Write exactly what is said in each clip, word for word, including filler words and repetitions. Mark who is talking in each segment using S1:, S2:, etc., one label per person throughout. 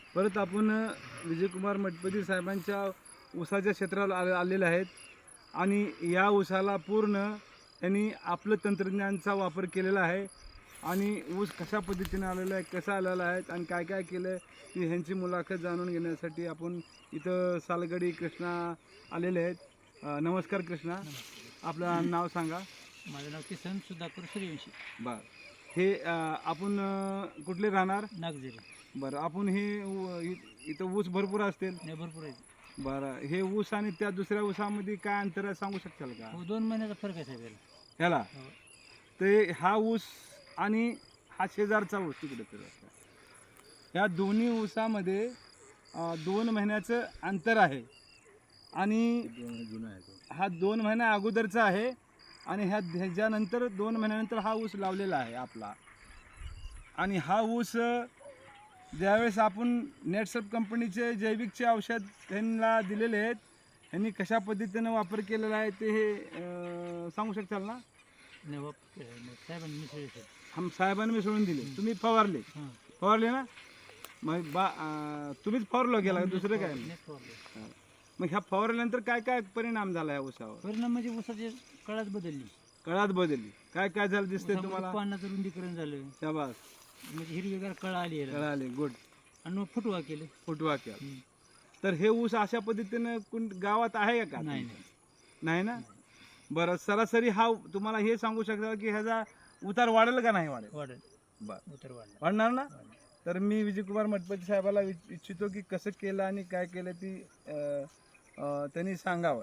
S1: परत आपण विजयकुमार मठपती साहेबांच्या ऊसाच्या क्षेत्राला आले आलेले आहेत आणि या ऊसाला पूर्ण त्यांनी आपलं तंत्रज्ञानचा वापर केलेला आहे आणि ऊस कशा पद्धतीने आलेला आहे, कसा आलेला आहे आणि काय काय केलं आहे ती ह्यांची मुलाखत जाणून घेण्यासाठी आपण इथं सालगडी कृष्णा आलेले आहेत. अ, नमस्कार कृष्णा, आपलं नाव सांगा.
S2: माझं नाव किसन सुधाकर सूर्यवंशी.
S1: बरं, हे अ, आपण अ, कुठले राहणार?
S2: नागझरी.
S1: बरं, आपण हे उ- इ- इथं ऊस भरपूर असतील.
S2: नाही भरपूर आहे.
S1: बरं, हे ऊस आणि त्या दुसऱ्या ऊसामध्ये काय अंतर आहे सांगू शकाल का
S2: हो, दोन महिन्याचा फरक आहे साहेब याला.
S1: ह्याला?
S2: हो.
S1: ते हा ऊस आणि हा शेजारचा ऊस तिकडे तर ह्या दोन्ही ऊसामध्ये अ, दोन महिन्याचं अंतर आहे आणि हा दोन महिन्या अगोदरचा आहे आणि ह्या ह्याच्यानंतर दोन महिन्यानंतर हा ऊस लावलेला आहे आपला. आणि हा ऊस अ, ज्यावेळेस आपण नेटसप कंपनीचे जैविकचे औषध त्यांना दिलेले आहेत, ह्यांनी कशा पद्धतीनं वापर केलेला आहे ते हे अ, सांगू शकाल ना?
S2: नाही वाप- नाही, साहेबांनी मिसळले साहेब.
S1: हम साहेबांनी मिसळून दिले, तुम्ही फवारले
S2: हां.
S1: फवारले ना? मग बा अं, तुम्हीच फवारलो गेला दुसरं काय नाही?
S2: नेट फवारले.
S1: मग ह्या फवारल्यानंतर काय काय परिणाम झाला ह्या ऊसावर?
S2: परिणाम म्हणजे ऊसाची कळाच बदलली.
S1: कळात बदलली, काय काय झालं दिसतंय
S2: ऊसामध्ये
S1: तुम्हाला?
S2: पानाचं रुंदीकरण झालं,
S1: शाबास,
S2: म्हणजे हिरवीगार कळा आली याला.
S1: कळाले, गुड.
S2: आणि मग फुटवा केले.
S1: फुटवा केला.
S2: हम्म.
S1: तर हे ऊस अशा पद्धतीनं कोण गावात आहे का?
S2: नाही नाही
S1: नाही ना? बरं, सरासरी हा तुम्हाला हे सांगू शकता की ह्याचा उतार वाढेल का नाही वाढेल?
S2: वाढेल.
S1: बरं,
S2: उतर वाढला.
S1: वाढणार ना?
S2: वाढला.
S1: तर मी विजयकुमार मठपती साहेबाला विच- इच्छितो की कसं केलं आणि काय केलं ती अं, अं, त्यांनी सांगावं.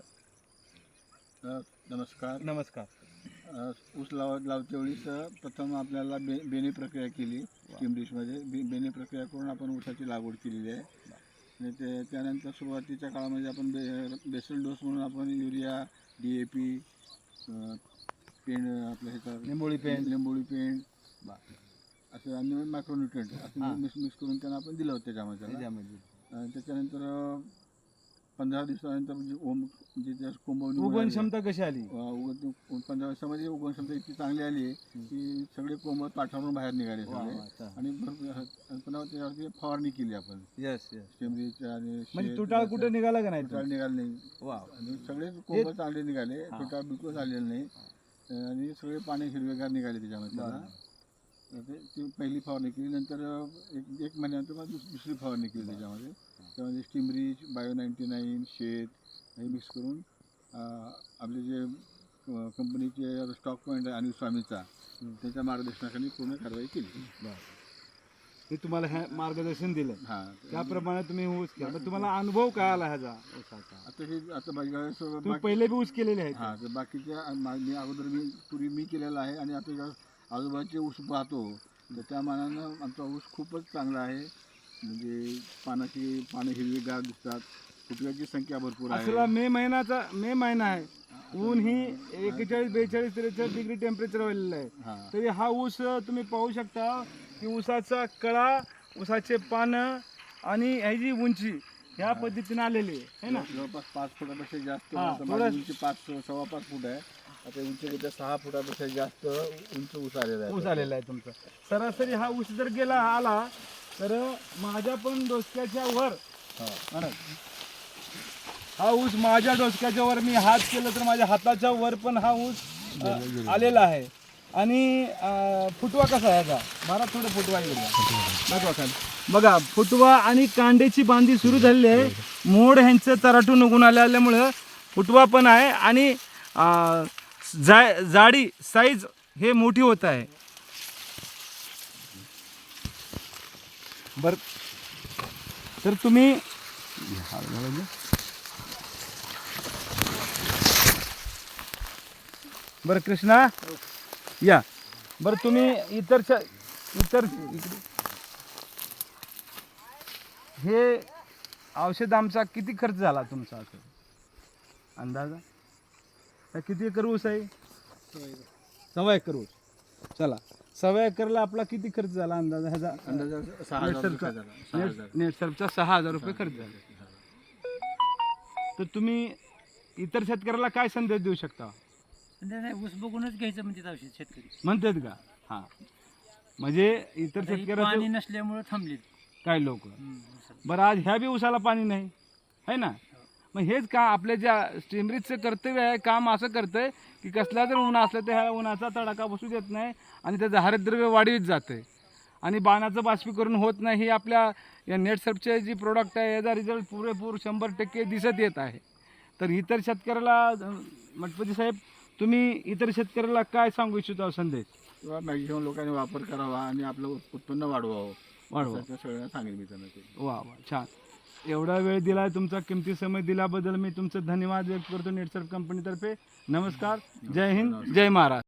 S3: अ, नमस्कार.
S1: नमस्कार.
S3: अ, ऊस लाव लावते वेळीस अ, प्रथम आपल्याला बे बेणी प्रक्रिया केली. स्टीम डिशमध्ये बे बेणी प्रक्रिया करून आपण ऊसाची लागवड केलेली आहे. आणि ते त्यानंतर सुरुवातीच्या काळामध्ये आपण बे बेसल डोस म्हणून आपण युरिया, डी ए पी, पेंड आपलं ह्याचा
S1: निंबोळी पेंड.
S3: लिंबोळी पेंड असं आणि मायक्रोन्युट्रिएंट असं मिक्स मिक्स करून त्यांना आपण दिलं होतं त्याच्यामध्ये त्याला.
S1: त्याच्यामध्ये
S3: आणि त्याच्यानंतर अ, पंधरा दिवसानंतर म्हणजे ओम म्हणजे त्या कोंबवणी
S1: उगवण क्षमता कशी आली?
S3: उगवण पंधरा वर्षामध्ये उगवण क्षमता इतकी चांगली आली आहे की सगळे कोंब पाठावरून बाहेर निघाले सगळे. आणि भरपूर आणि पुन्हा त्यावरती फवारणी केली आपण
S1: यस यस.
S3: स्टेमरीच्या आणि
S1: म्हणजे
S3: शेत-
S1: तुटाळ कुठे निघाला का नाही?
S3: तुटाळ निघाले नाही.
S1: वा,
S3: आणि सगळे कोंब चांगले निघाले, तुटाळ बिलकुल झालेले नाही. आणि सगळे पाणी हिरवेगार निघाले त्याच्यामध्ये त्याला. तर ते ती पहिली फवारणी केली. नंतर एक एक महिन्यानंतर मग दुस- दुसरी फवारणी केली त्याच्यामध्ये. त्यामध्ये स्टीमरीच, बायो नाईन्टी नाईन, शेत हे मिक्स करून अं, आपले जे अं, कंपनीचे स्टॉक पॉईंट आहे अनिल स्वामीचा त्याच्या मार्गदर्शनाखाली पूर्ण कारवाई केली.
S1: मी तुम्हाला हे मार्गदर्शन दिलं,
S3: हां.
S1: त्याप्रमाणे तुम्ही ऊस केला. पण तुम्हाला अनुभव काय आला ह्याचा ऊसाचा?
S3: आता हे आता बघा
S1: तुम्ही पहिले बी ऊस केलेले आहेत.
S3: हां, तर बाकीच्या मा- मी अगोदर मी पूर्वी मी केलेला आहे आणि आता ज्या आजूबाजूचे ऊस पाहतो तर त्या मानानं आमचा ऊस खूपच चांगला आहे. म्हणजे पानाची पानं हिरवीगार दिसतात, फुटव्याची संख्या भरपूर
S1: असला
S3: आहे.
S1: मे महिन्याचा मे महिना आहे, ऊन ही एक्केचाळीस बेचाळीस त्रेचाळीस डिग्री टेम्परेचर वाढलेलं आहे.
S3: हां.
S1: तरी हा ऊस तुम्ही पाहू शकता की ऊसाचा कळा, ऊसाचे पानं आणि ह्याची उंची ह्या पद्धतीने आलेली आहे ना?
S3: जवळपास पाच फुटापेक्षा जास्त.
S1: हां,
S3: आता
S1: थोडं-
S3: माझी उंची पाच सव्वा पाच फूट आहे. आता उंचीपेक्षा सहा फुटापेक्षा जास्त उंच ऊस आलेला आहे.
S1: ऊस आलेला आहे तुमचा. सरासरी हा ऊस जर गेला आला तर माझ्या पण डोसक्याच्या वर,
S3: हां.
S1: बरं, हा ऊस माझ्या डोसक्याच्या वर मी हात केलं तर माझ्या हाताच्या वर पण हा ऊस अ, आलेला आहे. आणि अ, फुटवा कसा आहे याचा? मला थोडं फुटवा येईल दाखवा खाली. बघा, फुटवा आणि कांड्याची बांधी सुरू झालेली आहे. मोड ह्यांचं तराटून उगून आल्यामुळं फुटवा पण आहे आणि अ, जा जाडी साईज हे मोठी होत आहे. बर, तर तुम्ही बरं कृष्णा या, बरं तुम्ही इतर इतर इकडे हे औषध आमचा किती खर्च झाला तुमचा असं अंदाजा? हा किती एकर ऊस आहे? सव्वा एकर ऊस. चला, सव्वा एकरला आपला किती खर्च झाला अंदाजा ह्याचा?
S3: अंदाजे सहा हजार रुपये झाला. सहा हजार.
S1: नेट नेटसर्फचा सहा हजार रुपये खर्च झाला. तर तुम्ही इतर शेतकऱ्याला काय संदेश देऊ शकता?
S2: नाही नाही, ऊस बघूनच घ्यायचं म्हणजे औषध शेतकरी.
S1: म्हणतात का? हां, म्हणजे इतर
S2: आता ही
S1: शेतकऱ्याचं
S2: पाणी नसल्यामुळे थांबले.
S1: काही लोक.
S2: हम्म, ऊसात.
S1: बरं आज ह्या बी ऊसाला पाणी नाही आहे ना. मग हेच का आपल्या ज्या स्टीमरीजचं कर्तव्य आहे, काम असं करतंय की कसला जर ऊन असलं तर ह्या उन्हाचा तडाखा बसू देत नाही आणि त्याचं हरितद्रव्य वाढीत जातं आणि बाणाचं बाष्पीकरण होत नाही. ही आपल्या या नेटसर्फचे जी प्रोडक्ट आहे याचा रिझल्ट पुरेपूर शंभर टक्के दिसत येत आहे. तर इतर शेतकऱ्याला अं, मठपती साहेब तुम्ही इतर शेतकऱ्याला काय सांगू इच्छिता संदेश?
S3: किंवा मॅक्झिमम लोकांनी वापर करावा आणि आपलं उत- उत्पन्न वाढवावं
S1: वाढवा.
S3: असं सगळ्यांना सांगेल मी त्यांना ते.
S1: वा वा छान. एवढा वेळ दिला, तुमचा किमती समय दिल्याबद्दल मी तुमचं धन्यवाद व्यक्त करतो नेटसर्फ कंपनीतर्फे. नमस्कार, जय हिंद, जय महाराष्ट्र.